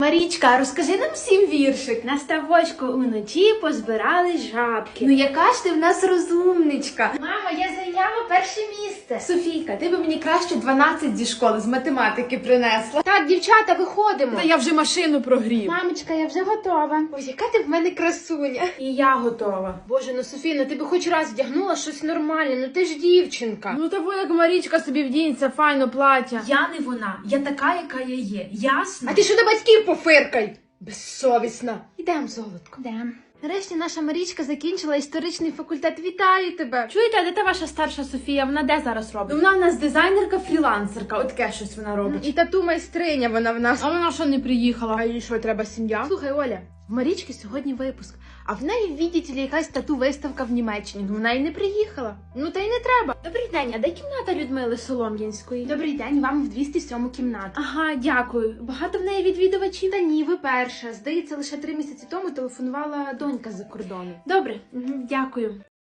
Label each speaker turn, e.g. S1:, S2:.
S1: Марічка, розкажи нам всім віршик. На ставочку уночі позбирали жабки. Ну яка ж ти в нас розумничка.
S2: Мамо, я зайняла перше місце.
S1: Софійка, ти би мені краще 12 зі школи з математики принесла.
S2: Так, дівчата, виходимо.
S1: Та я вже машину прогрів.
S2: Мамочка, я вже готова. Ой, яка ти в мене красуня.
S1: І я готова.
S2: Боже, ну Софіна, ти би хоч раз вдягнула щось нормальне, ну ти ж дівчинка.
S1: Ну того як Марічка собі вдінеться, файно плаття. Я не вона, я така, яка я є. Ясно?
S2: А ти що до батьків пофиркай? Безсовісна. Ідем, золотко.
S1: Ідем.
S2: Нарешті наша Марічка закінчила історичний факультет. Вітаю тебе.
S1: Чуєте, а де та ваша старша Софія? Вона де зараз робить? Вона в нас дизайнерка-фрілансерка, от таке щось вона робить.
S2: І тату майстриня вона в нас.
S1: А вона що не приїхала?
S2: А їй що, треба сім'я? Слухай, Оля, в Марічки сьогодні випуск, а в неї, видите ли, якась тату-виставка в Німеччині. Ну, вона й не приїхала. Ну, та й не треба.
S1: Добрий день, а де кімната Людмили Солом'янської?
S2: Добрий день, вам в 207 кімнату.
S1: Ага, дякую. Багато в неї відвідувачів?
S2: Та ні, ви перша. Здається, лише 3 місяці тому телефонувала донька з-за кордону.
S1: Добре, дякую.